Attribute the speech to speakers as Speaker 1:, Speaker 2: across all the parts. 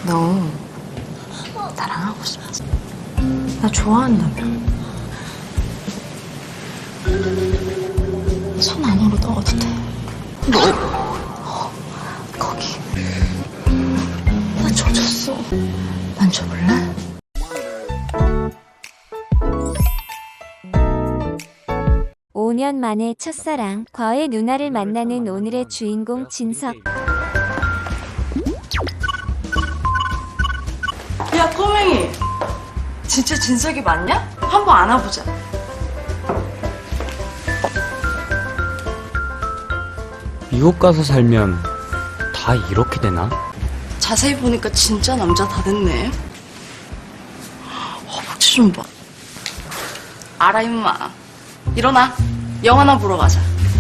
Speaker 1: 너 나랑 하고 싶지? 나 좋아한다며. 손 안으로 넣어도 돼. 거기. 나 젖었어. 만져볼래?
Speaker 2: 오 년 만에 첫사랑 과의 누나를 만나는 오늘의 주인공 진석.
Speaker 1: 야, 꼬맹이. 진짜 진석이 맞냐? 한번 안아보자.
Speaker 3: 미국 가서 살면 다 이렇게 되나?
Speaker 1: 자세히 보니까 진짜 남자 다 됐네. 허벅지 좀 봐. 알아, 임마. 일어나. 영화나 보러 가자.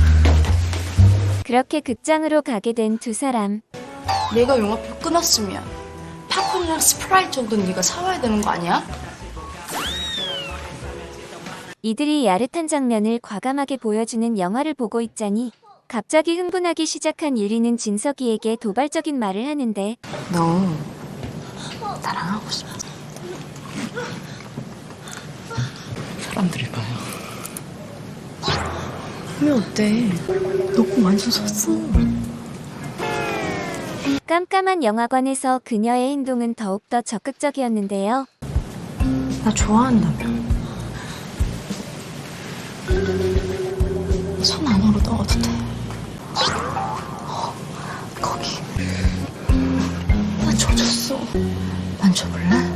Speaker 2: 그렇게 극장으로 가게 된 두 사람.
Speaker 1: 내가 영화표 끊었으면 팝콘이랑 스프라이트 정도는 네가 사와야 되는 거 아니야?
Speaker 2: 이들이 야릇한 장면을 과감하게 보여주는 영화를 보고 있자니 갑자기 흥분하기 시작한 유리는 진석이에게 도발적인 말을 하는데,
Speaker 1: 너 나랑 하고 싶지?
Speaker 3: 사람들이 봐요.
Speaker 1: 하면 어때? 너 꼭 완전 섰어.
Speaker 2: 깜깜한 영화관에서 그녀의 행동은 더욱더 적극적이었는데요.
Speaker 1: 나 좋아한다며. 손 안으로 넣어도 돼. 거기. 나 젖었어. 만져볼래?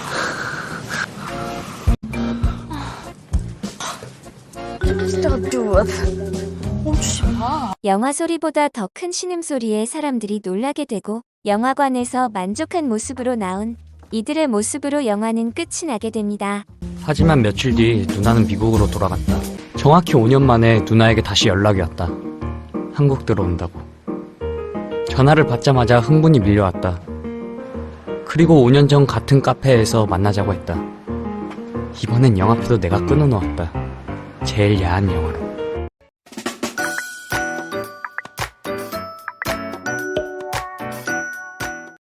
Speaker 1: 멈추지 마.
Speaker 2: 영화 소리보다 더 큰 신음소리에 사람들이 놀라게 되고 영화관에서 만족한 모습으로 나온 이들의 모습으로 영화는 끝이 나게 됩니다.
Speaker 3: 하지만 며칠 뒤 누나는 미국으로 돌아갔다. 정확히 5년 만에 누나에게 다시 연락이 왔다. 한국 들어온다고. 전화를 받자마자 흥분이 밀려왔다. 그리고 5년 전 같은 카페에서 만나자고 했다. 이번엔 영화표도 내가 끊어놓았다. 제일 야한 영화로.